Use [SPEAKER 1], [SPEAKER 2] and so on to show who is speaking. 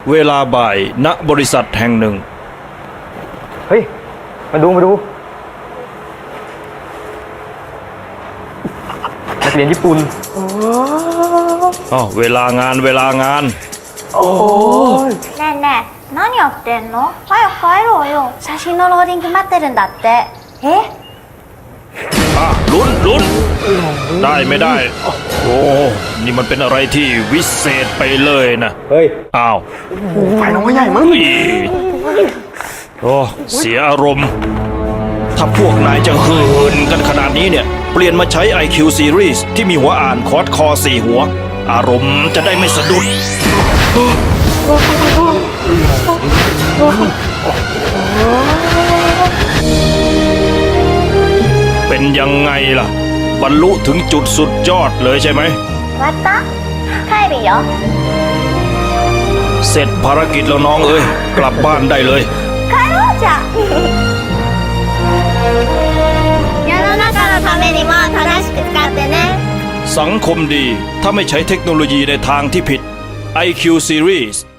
[SPEAKER 1] เวลาบ่ายณบริษัทแห่งหนึ่ง
[SPEAKER 2] เฮ้ยมาดูนักเรียนญี่ปุ่น
[SPEAKER 1] เวลางาน
[SPEAKER 3] ねえねえ何やってんの早く帰ろうよ写真のローディング待ってるんだってえ
[SPEAKER 1] ลุ้นได้ไม่ได้โอ้นี่มันเป็นอะไรที่วิเศษไปเลยนะ
[SPEAKER 2] เฮ้ย
[SPEAKER 1] อ้าว
[SPEAKER 2] ไฟน้องใหญ่มั้ง
[SPEAKER 1] โอ้เสียอารมณ์ถ้าพวกนายจะเหินกันขนาดนี้เนี่ยเปลี่ยนมาใช้ IQ Series ที่มีหัวอ่านคอร์สคอ4หัวอารมณ์จะได้ไม่สะดุดเป็นยังไงล่ะบรรลุถึงจุดสุดยอดเลยใช่ไหม
[SPEAKER 3] 終わった帰るよ
[SPEAKER 1] เสร็จภารกิจแล้วน้องเอ้ยกลับบ้านได้เลย
[SPEAKER 3] 帰ろうじゃ世の中のためにも正しく使ってね
[SPEAKER 1] สังคมดีถ้าไม่ใช้เทคโนโลยีในทางที่ผิด IQ Series